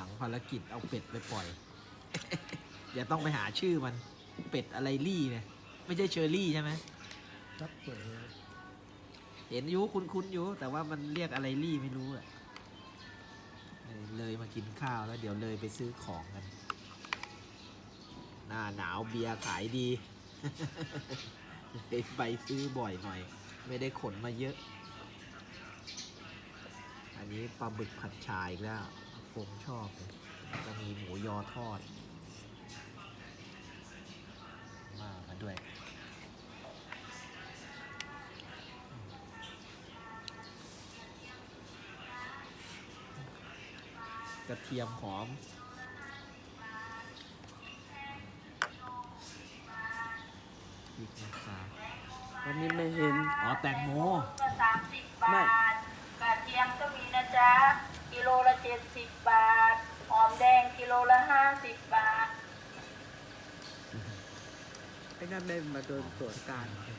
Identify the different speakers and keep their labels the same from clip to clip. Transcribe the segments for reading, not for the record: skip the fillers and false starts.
Speaker 1: ลังภารกิจเอาเป็ดไปปล่อย อย่าต้องไปหาชื่อมันเป็ดอะไรลี่เนี่ยไม่ใช่เชอร์รี่ใช่ไหม
Speaker 2: ครับเปิด
Speaker 1: เห็นอยู่คุ้นๆอยู่แต่ว่ามันเรียกอะไรลี่ไม่รู้อะเลยมากินข้าวแล้วเดี๋ยวเลยไปซื้อของกันหน้าหนาวเบียร์ขายดี เลยไปซื้อบ่อยหน่อยไม่ได้ขนมาเยอะอันนี้ปลาบึกผัดชายอีกแล้วผมชอบเลยจะมีหมูยอทอดมาด้วยกระเทียมหอมพริกนะคะ
Speaker 3: วันนี้ไม่เห็น
Speaker 1: อ๋อแตงโม
Speaker 4: ก็30
Speaker 3: ไม่
Speaker 4: บาทกระเทียมก็มีนะจ๊ะกิโลละ70 บาทหอมแดงกิโลละ50 บาท
Speaker 3: ไอ้นั่นได้มาโดนตรวจการ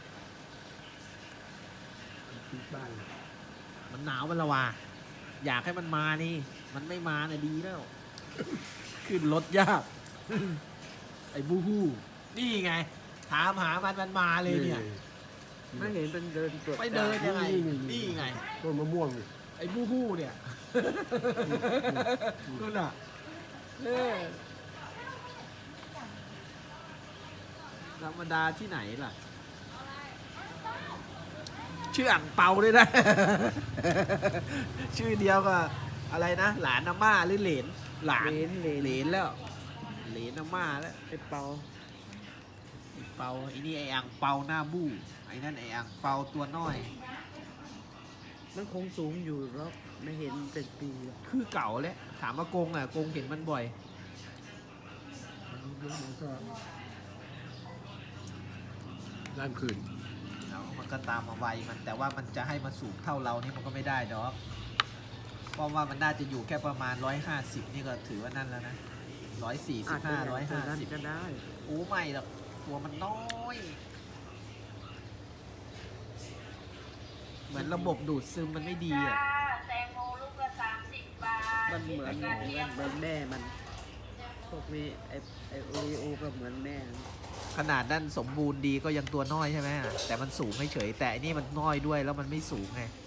Speaker 2: ที่บ้าน
Speaker 1: มันหนาวมันละวาอยากให้มันมานี่ มันไม่มาเนี่ยดีแล้ว ขึ้นรถยาก ไอ้บูฮู้นี่ไง ถามหามันมาเลยเนี่ย
Speaker 3: ไม่เห็นเป็นเดินตรวจ
Speaker 1: ไป
Speaker 3: การ
Speaker 1: เดินยังไง นี่ไง
Speaker 2: ต้นมะม่วงนี่
Speaker 1: ไอ้บูฮู้เนี่ยนู่นน่ะธรรมดาที่ไหนล่ะ ชื่ออ่างเปาด้วยนะ ชื่อเดียวก็อะไรนะ หลานอาม่าหรือเหลน หลาน
Speaker 3: เหรน
Speaker 1: แล้ว เหลนอาม่าแล้ว
Speaker 3: ไอ้เปา
Speaker 1: ไอ้เปาไอ้นี่ไอ้อ่างเปาหน้าบู้ไอ้นั่นไอ้อ่างเปาตัวน้อย
Speaker 3: มันคงสูงอยู่แล้วไม่เห็นเป็นปีแล้ว
Speaker 1: คือเก่าแล้วถามว่ากงอ่ะกงเห็นมันบ่อย
Speaker 2: มันก็ด้านคืน
Speaker 1: แล้วมันก็ตามมาไวมันแต่ว่ามันจะให้มาสูงเท่าเรานี่มันก็ไม่ได้ดอกเพราะว่ามันน่าจะอยู่แค่ประมาณ150นี่ก็ถือว่านั่นแล้วนะ145
Speaker 3: อาจจะอย่างตัวนั้น
Speaker 1: 150
Speaker 3: ก็ได้
Speaker 1: โอ้ไม่หรอกตัวมันน้อย เหมือนระบบดูดซึมมันไม่ดีอ่ะ
Speaker 4: แตงโมลูกละ30 บาท
Speaker 3: มันเหมือนแม่มันพวกนี้ไอโอริโอก็เหมือนแม่มัน
Speaker 1: ขนาดนั้นสมบูรณ์ดีก็ยังตัวน้อยใช่ไหมแต่มันสูงเฉยๆแต่อันนี่มันน้อยด้วยแล้วมันไม่สูงไง